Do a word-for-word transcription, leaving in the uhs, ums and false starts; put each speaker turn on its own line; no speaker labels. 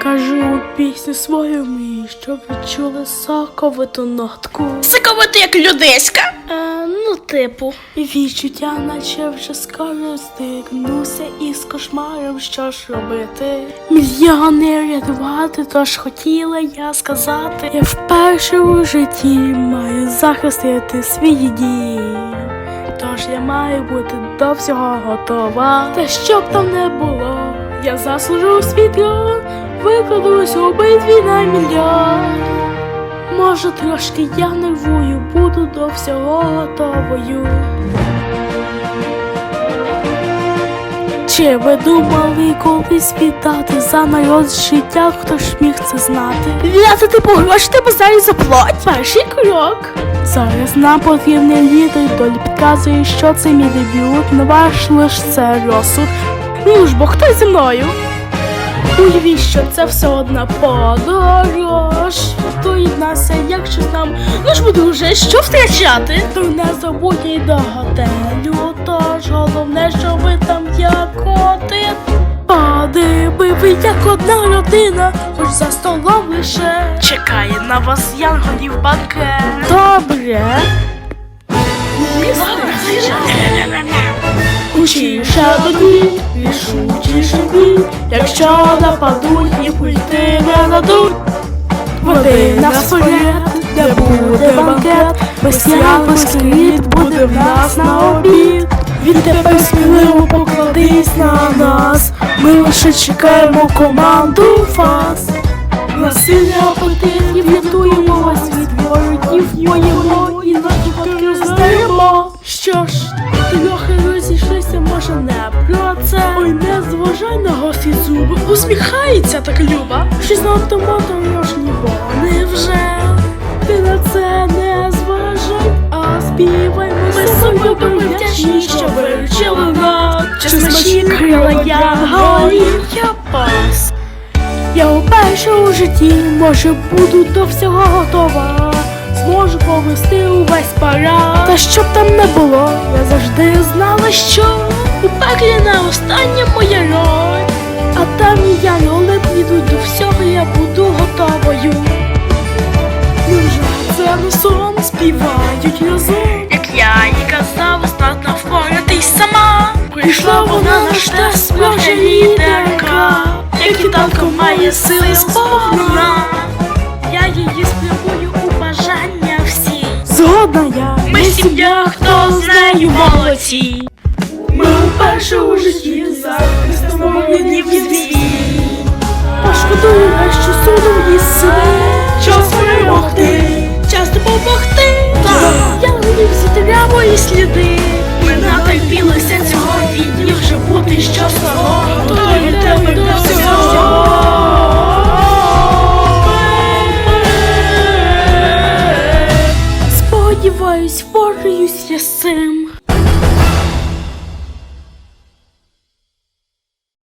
Кажу пісню свою мрію, щоб відчули соковиту нотку.
Соковиту як людиська?
Е, ну типу. Відчуття, наче вже скоро стикнуся із кошмаром, що ж робити. Мільйони рятувати, тож хотіла я сказати. Я вперше у житті маю захистити свої дії. Тож я маю бути до всього готова. Та щоб там не було, я заслужу свій трон, викладусь у битві на мільйон. Може трошки я нервую, буду до всього готовою. Чи ви думали колись віддати за народ життя, хто ж міг це знати?
Віддати типу гроші тебе зараз заплать?
Перший крок. Зараз нам потрібний лідер, долі підказує, що це мій дебют, не ваш лиш це розсуд. Ну ж бо хто зі мною? Уявіть, що це все одна подорож. Доєднайся, якщо нам, ну ж бо друже, що втрачати? То не забудь й до готелю, тож головне, що ви там як один. Подиби ви як одна родина, хоч за столом лише чекає на вас янголів банкет. Добре. Учіше тоді, рішучіше бій, якщо нападуть і прийти не дадуть. Води нас вперед, де буде банкет, без яр, без скріт буде в нас на обід. Відтепер сміливо покладись на нас, ми лише чекаємо команду фас. Насилля апетитів рятуємо вас від ворогів, воїмо і навіть роздаємо. Що ж, трохи розійшлися, може не про це. Ой, не зважай на гості зуби, усміхається так Люба. Щось на автоматом-рожні вони вже. Ти на це не зважай, а співай. Ми собою вдячні, що виручили нас. Чи смачні крила янголів я пас. Я вперше у житті, може буду до всього готова. Зможу повести увесь парад. Та щоб там не було, я завжди знала, що у пеклі не остання моя роль. А там і янголи підуть до всього, я буду готовою. Невже це не сон, співають разом?
Як я їй казав, здатна впоратись сама.
Прийшла вона на штаб, справжня лідерка,
як і танко має сили сповна. Я її спрямую у бажання всі.
Згодна я,
Ми сім'я, хто з нею молодці.
ми вперше у житті захистимо ріднів звій. Пошкодую, що судом її сили. Час перемогти,
Час допомогти.
янголів зітря мої сліди.
Ми натерпілися цього відні вже бути щасливо. Готові тебе до всього.
Сподіваюсь, впораюсь я з цим.